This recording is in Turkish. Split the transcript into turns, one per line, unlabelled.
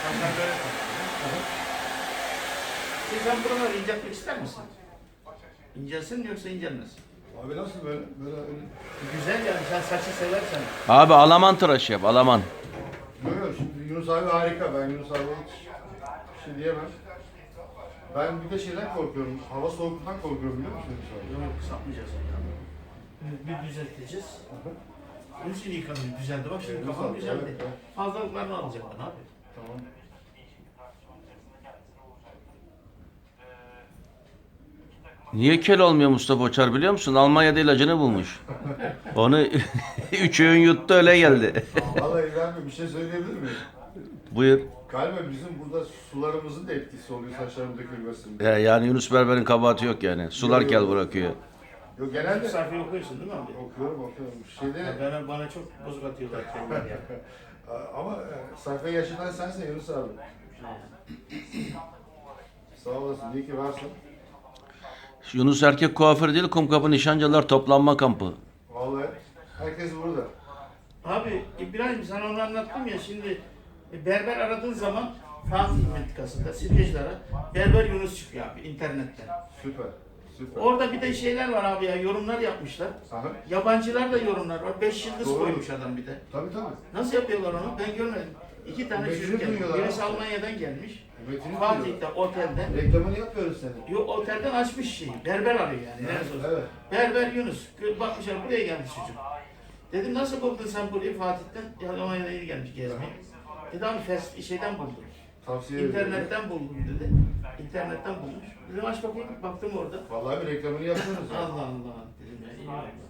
Hasan böyle tanıyor. Sen buraları inceltmek ister misin? İncelsin mi yoksa incelmesin?
Abi nasıl böyle? Böyle öyle.
Güzel yani sen saçı seversen.
Abi Alaman tıraşı yap, Alaman.
Yok şimdi Yunus abi harika. Ben Yunus abi hiç bir şey diyemem. Ben bir de şeyden korkuyorum. Hava soğukluktan korkuyorum biliyor musun Yunus abi?
Yok sapmayacağız. Bir düzelteceğiz. Onun için yıkanıyor. Düzeldi bak şimdi kafam güzeldi.
Evet, evet.
Fazlalıklarını alacak bana abi.
Tamam.
Niye kel olmuyor Mustafa Uçar biliyor musun? Almanya'da ilacını bulmuş. Onu 3 öğün yuttu öyle geldi.
Vallahi İbrahim Bey bir şey söyleyebilir miyim?
Buyur.
Galiba bizim burada sularımızın da etkisi oluyor saçların dökülmesinde.
Yani Yunus Berber'in kabahati yok yani. Sular kel bırakıyor.
Yok genelde
Sayfayı okuyorsun değil mi abi?
okuyorum. Şeyde
Bana çok bozuk atıyorlar kendiler ya.
ama sayfa yaşından sensin Yunus abi. Sağ olasın. İyi ki varsın.
Yunus erkek kuaförü değil, Kumkapı Nişancılar toplanma kampı.
Vallahi herkes burada.
Abi İbrahim sana onu anlattım ya şimdi berber aradığın zaman Fatih Mentikası'nda Sirkeciler'e Berber Yunus çıkıyor abi internetten.
Süper. Süper.
Orada bir de şeyler var abi ya yorumlar yapmışlar.
Aha.
Yabancılar da yorumlar var. 5 yıldız
Doğru.
koymuş adam bir de.
Tabii tabii.
Nasıl yapıyorlar onu? Ben görmedim. 2 tane
Metini
çocuk gelmiş.
duyuyorlar
Birisi
abi.
Almanya'dan gelmiş.
Metini
Fatih'te otelde.
Reklamını yapıyoruz senin.
Yok otelden açmış şeyi. Berber arıyor yani. Neresi olsun.
Evet.
Berber Yunus. Bakmışlar buraya gelmiş çocuk. Dedim nasıl buldun sen burayı Fatih'ten? Ya Almanya'dan yeni gelmiş gezmeye. Dedi abi şeyden buldum.
Tavsiye ederim.
İnternetten buldum dedi. İnternetten bulmuş. Dedim aç bakayım. Baktım orada.
Vallahi bir reklamını yapıyoruz. ya.
Allah Allah dedim ya iyi oldu.